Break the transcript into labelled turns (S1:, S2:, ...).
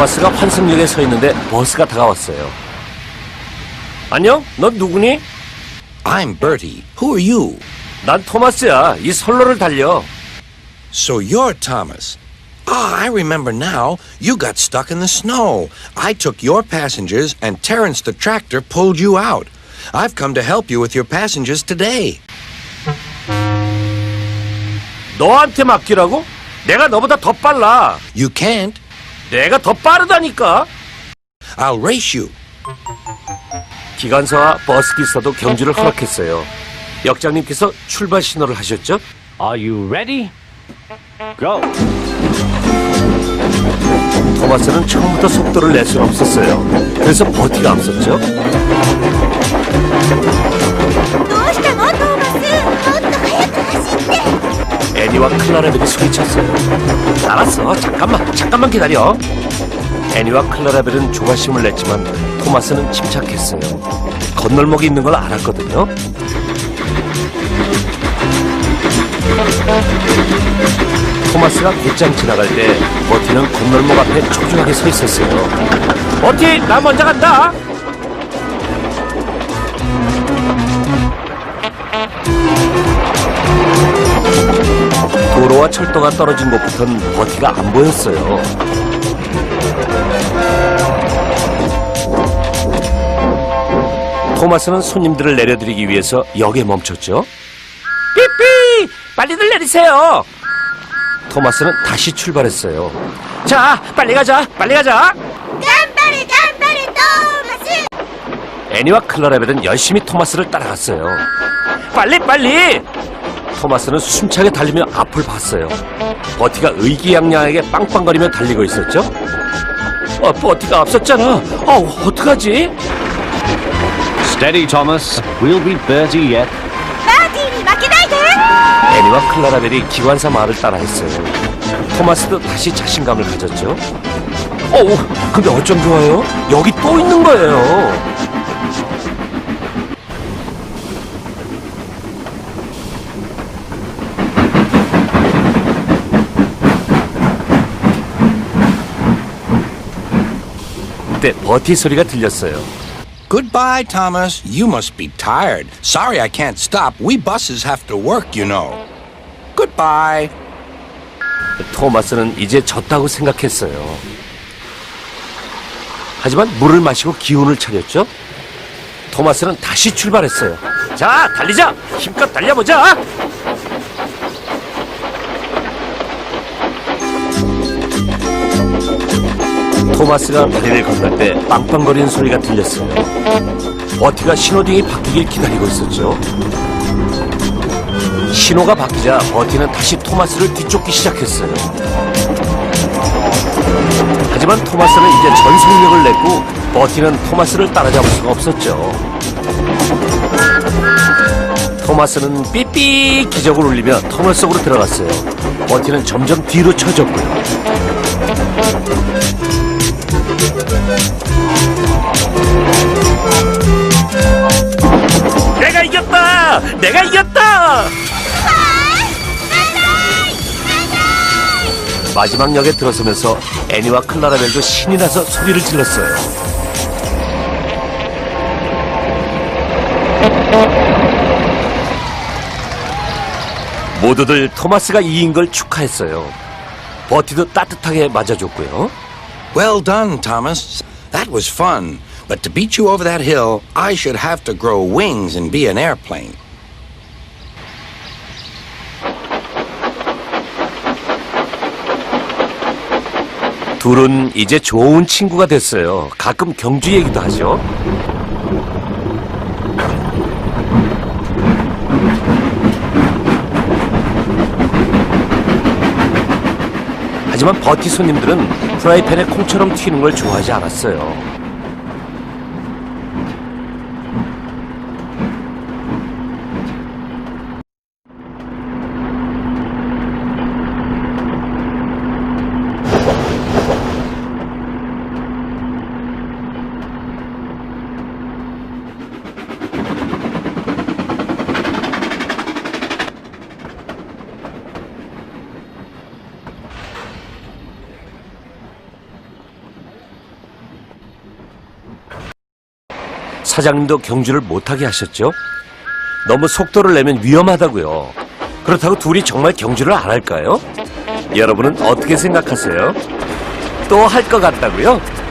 S1: 토마스가 환승역에 서 있는데 버스가 다가왔어요. 안녕? 넌 누구니?
S2: I'm Bertie. Who are you?
S1: 난 토마스야. 이 선로를 달려.
S2: So you're Thomas. Ah, I remember now. You got stuck in the snow. I took your passengers and Terrence the tractor pulled you out. I've come to help you with your passengers today.
S1: 너한테 맡기라고? 내가 너보다 더 빨라.
S2: You can't.
S1: 내가 더 빠르다니까.
S2: I'll race you.
S1: 기관사와 버스 기사도 경주를 허락했어요. 역장님께서 출발 신호를 하셨죠?
S3: Are you ready? Go!
S1: 토마스는 처음부터 속도를 낼 수는 없었어요. 그래서 버티가 앞섰죠.
S4: どうしたのトーマスもっと速く走って
S1: 애니와 클라라벨이 소리쳤어요. 알았어. 잠깐만 기다려. 애니와 클라라벨은 조바심을 냈지만 토마스는 침착했어요. 건널목이 있는 걸 알았거든요. 토마스가 곧장 지나갈 때 버티는 건널목 앞에 초조하게 서 있었어요. 버티, 나 먼저 간다. 도로와 철도가 떨어진 곳부터는 버티가 안 보였어요. 토마스는 손님들을 내려드리기 위해서 역에 멈췄죠. 삐삐! 빨리들 내리세요. 토마스는 다시 출발했어요. 자, 빨리 가자.
S4: 頑張れトーマス
S1: 애니와 클라라벨은 열심히 토마스를 따라갔어요. 빨리! 토마스는 숨차게 달리며 앞을 봤어요. 버티가 의기양양하게 빵빵거리며 달리고 있었죠. 버티가 앞섰잖아. 어떡하지?
S3: Steady, Thomas. We'll beat Bertie yet.
S4: バーティーに負けないで
S1: 애니와 클라라벨이 기관사 말을 따라했어요. 토마스도 다시 자신감을 가졌죠. 근데 어쩜 좋아요? 여기 또 있는 거예요. 그때 버티 소리가 들렸어요.
S2: Goodbye, Thomas. You must be tired. Sorry I can't stop. We buses have to work, you know. Goodbye.
S1: 토마스는 이제 졌다고 생각했어요. 하지만 물을 마시고 기운을 차렸죠. 토마스는 다시 출발했어요. 자, 달리자! 힘껏 달려보자! 토마스가 다리를 건널 때 빵빵거리는 소리가 들렸어요. 버티가 신호등이 바뀌길 기다리고 있었죠. 신호가 바뀌자 버티는 다시 토마스를 뒤쫓기 시작했어요. 하지만 토마스는 이제 전속력을 냈고 버티는 토마스를 따라잡을 수가 없었죠. 토마스는 삐삐 기적을 울리며 터널 속으로 들어갔어요. 버티는 점점 뒤로 쳐졌고요. 내가 이겼다! 마지막 역에 들어서면서 애니와 클라라벨도 신이 나서 소리를 질렀어요. 모두들 토마스가 이긴 걸 축하했어요. 버티도 따뜻하게 맞아줬고요.
S2: Well done, Thomas. That was fun. But to beat you over that hill, I should have to grow wings and be an airplane.
S1: 둘은 이제 좋은 친구가 됐어요. 가끔 경주 얘기도 하죠. 하지만 버티 손님들은 프라이팬에 콩처럼 튀는 걸 좋아하지 않았어요. 사장님도 경주를 못하게 하셨죠? 너무 속도를 내면 위험하다고요. 그렇다고 둘이 정말 경주를 안 할까요? 여러분은 어떻게 생각하세요? 또 할 것 같다고요?